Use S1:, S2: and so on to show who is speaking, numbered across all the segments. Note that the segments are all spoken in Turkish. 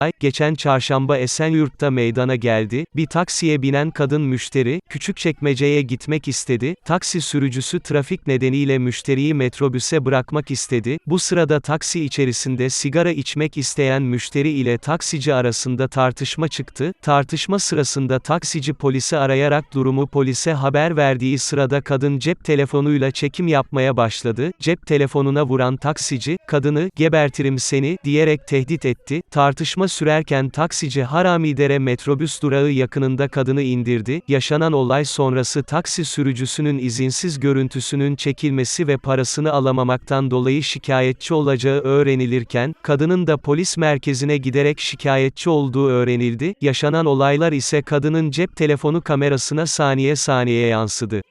S1: Geçen çarşamba Esenyurt'ta meydana geldi. Bir taksiye binen kadın müşteri, Küçükçekmece'ye gitmek istedi. Taksi sürücüsü trafik nedeniyle müşteriyi metrobüse bırakmak istedi. Bu sırada taksi içerisinde sigara içmek isteyen müşteri ile taksici arasında tartışma çıktı. Tartışma sırasında taksici polisi arayarak durumu polise haber verdiği sırada kadın cep telefonuyla çekim yapmaya başladı. Cep telefonuna vuran taksici, kadını, "Gebertirim seni," diyerek tehdit etti. Tartışma sürerken taksici Haramidere metrobüs durağı yakınında kadını indirdi. Yaşanan olay sonrası taksi sürücüsünün izinsiz görüntüsünün çekilmesi ve parasını alamamaktan dolayı şikayetçi olacağı öğrenilirken, kadının da polis merkezine giderek şikayetçi olduğu öğrenildi. Yaşanan olaylar ise kadının cep telefonu kamerasına saniye saniye yansıdı.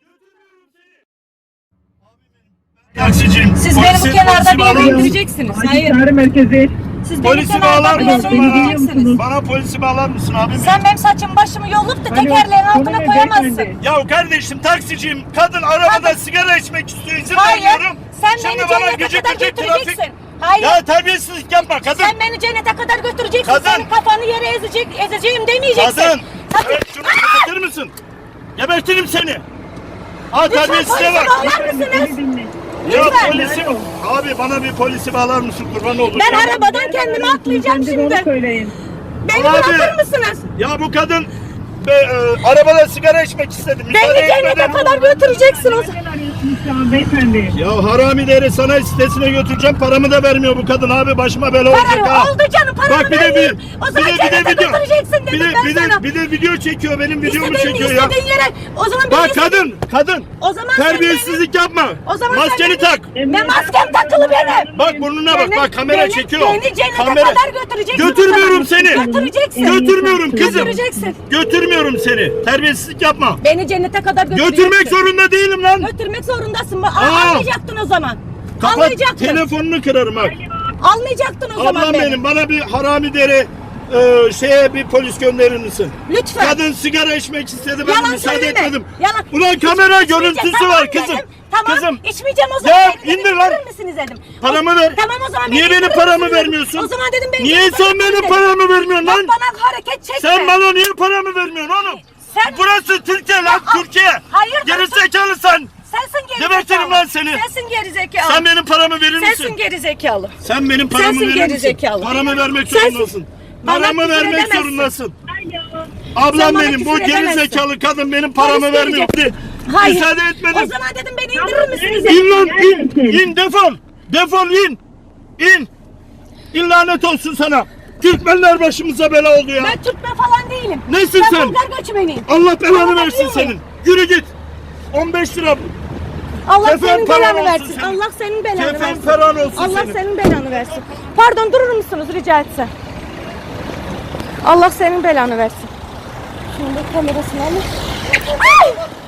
S2: Taksiciyim.
S3: Siz beni bu kenarda bir yere indireceksiniz. Hayır.
S4: Merkezi.
S3: Siz beni
S2: Polisi
S3: kenarda
S2: bağlar
S3: bir yere
S2: mısın
S3: indireceksiniz.
S2: bana polisi bağlar mısın abi?
S3: Sen benim saçımı başımı yolup da tekerleğin altına koyamazsın.
S2: Ya kardeşim taksiciyim. Kadın arabada sigara içmek istiyor. İzin
S3: Hayır.
S2: vermiyorum.
S3: Sen
S2: Şimdi
S3: beni
S2: bana
S3: cennete
S2: gıcık
S3: kadar
S2: gıcık
S3: götüreceksin.
S2: trafik-
S3: Hayır.
S2: Ya terbiyesizlik yapma kadın.
S3: Sen beni cennete kadar götüreceksin.
S2: Kadın.
S3: Senin kafanı yere ezeceğim demeyeceksin.
S2: Kadın.
S3: Hadi.
S2: Evet şunu kapatır mısın? Gebertirim seni. Ha
S3: Lütfen
S2: terbiyesize
S3: polisi
S2: bak.
S3: bağlar mısınız?
S2: Ya
S3: Lütfen.
S2: polisi abi bana bir polisi bağlar mısın kurban olur.
S3: Ben arabadan kendimi atlayacağım şimdi.
S4: Söyleyin.
S3: Beni
S2: Abi.
S3: bırakır mısınız?
S2: Ya bu kadın arabada sigara içmek istedi. Müsaade
S3: Beni cennete
S2: etmeden-
S3: kadar götüreceksin o zaman.
S4: Nereden arıyorsunuz şu an beyefendi?
S2: Ya Haramidere sanayi sitesine götüreceğim, paramı da vermiyor bu kadın abi, başıma bela olacak ha.
S3: Para oldu canım, paramı
S2: Bak bir de
S3: vereyim. O zaman cennete götüreceksin dedim ben sana.
S2: bir de video çekiyor, benim videomu
S3: İstediğin
S2: çekiyor ya.
S3: yere. O zaman
S2: Bak
S3: beni
S2: kadın,
S3: O zaman sen
S2: terbiyesizlik yapma.
S3: O zaman sen
S2: Maskeni
S3: beni-
S2: tak.
S3: Ne maskem takılı benim.
S2: Bak burnuna bak, bak kamera çekiyor.
S3: Beni cennete kadar götüreceksin.
S2: Götürmüyorum
S3: o zaman.
S2: seni.
S3: Götüreceksin.
S2: Götürmüyorum kızım.
S3: Götüreceksin.
S2: Götürmüyorum seni. Terbiyesizlik yapma.
S3: Beni cennete kadar götüreceksin.
S2: Götürmek zorunda değilim lan.
S3: Götürmek zorundasın.
S2: Aa.
S3: Anlayacaktın o zaman.
S2: Kapat,
S3: Anlayacaktın.
S2: telefonunu kırarım bak.
S3: Anlayacaktın o zaman
S2: Ablam benim, bana bir Haramidere bir polis gönderir misin?
S3: Lütfen.
S2: Kadın sigara içmek istedi, ben de
S3: Yalan
S2: müsaade
S3: söyleme.
S2: etmedim.
S3: Yalan.
S2: Ulan kamera
S3: İçmeyeceğim.
S2: görüntüsü
S3: Tamam
S2: var
S3: dedim.
S2: kızım.
S3: Tamam.
S2: Kızım.
S3: İçmeyeceğim o zaman.
S2: Ya
S3: Beni
S2: indir lan.
S3: indirir misiniz dedim.
S2: Paramı ver.
S3: Tamam o zaman.
S2: Niye
S3: beni
S2: benim
S3: indirir
S2: paramı
S3: misiniz dedim.
S2: vermiyorsun?
S3: O zaman dedim beni
S2: Niye
S3: indirir
S2: sen
S3: misiniz
S2: benim
S3: dedim.
S2: paramı vermiyorsun
S3: Bak
S2: lan?
S3: bana hareket çekme.
S2: Sen bana niye paramı vermiyorsun oğlum?
S3: Sen-
S2: Burası Türkiye lan, Türkiye.
S3: Hayır.
S2: Gerizekalı sen.
S3: Sensin gerizekalı.
S2: Gebertirim lan seni.
S3: Sensin gerizekalı.
S2: Sen benim paramı verir misin?
S3: Sensin gerizekalı.
S2: Sen benim paramı
S3: Sensin
S2: verir misin?
S3: gerizekalı.
S2: Paramı vermek
S3: Sensin.
S2: zorundasın.
S3: Bana
S2: Paramı
S3: küfür
S2: vermek
S3: edemezsin.
S2: zorundasın.
S3: Sen
S2: Ablam
S3: bana
S2: benim, bu
S3: küfür edemezsin.
S2: gerizekalı kadın benim paramı
S3: Polis
S2: vermiyor.
S3: gelecek. Hayır.
S2: Müsaade etmedim.
S3: O zaman dedim beni indirir misiniz dedim.
S2: İn lan in defol. Defol in. İn. İn lanet olsun sana. Türkmenler başımıza bela oldu ya.
S3: Ben Türkmen falan değilim.
S2: Nesin
S3: ben
S2: sen?
S3: Bulgar göçmeniyim.
S2: Allah belanı
S3: Bana
S2: versin
S3: bakıyor
S2: senin.
S3: muyum?
S2: Yürü git. 15 lira.
S3: Allah
S2: Kefen
S3: senin
S2: paran
S3: belanı
S2: olsun
S3: versin.
S2: senin.
S3: Allah senin belanı
S2: Kefen
S3: versin.
S2: paran olsun
S3: Allah
S2: senin.
S3: senin belanı versin. Pardon durur musunuz rica etsem? Allah senin belanı versin. Şimdi kamerasını alayım. Ay!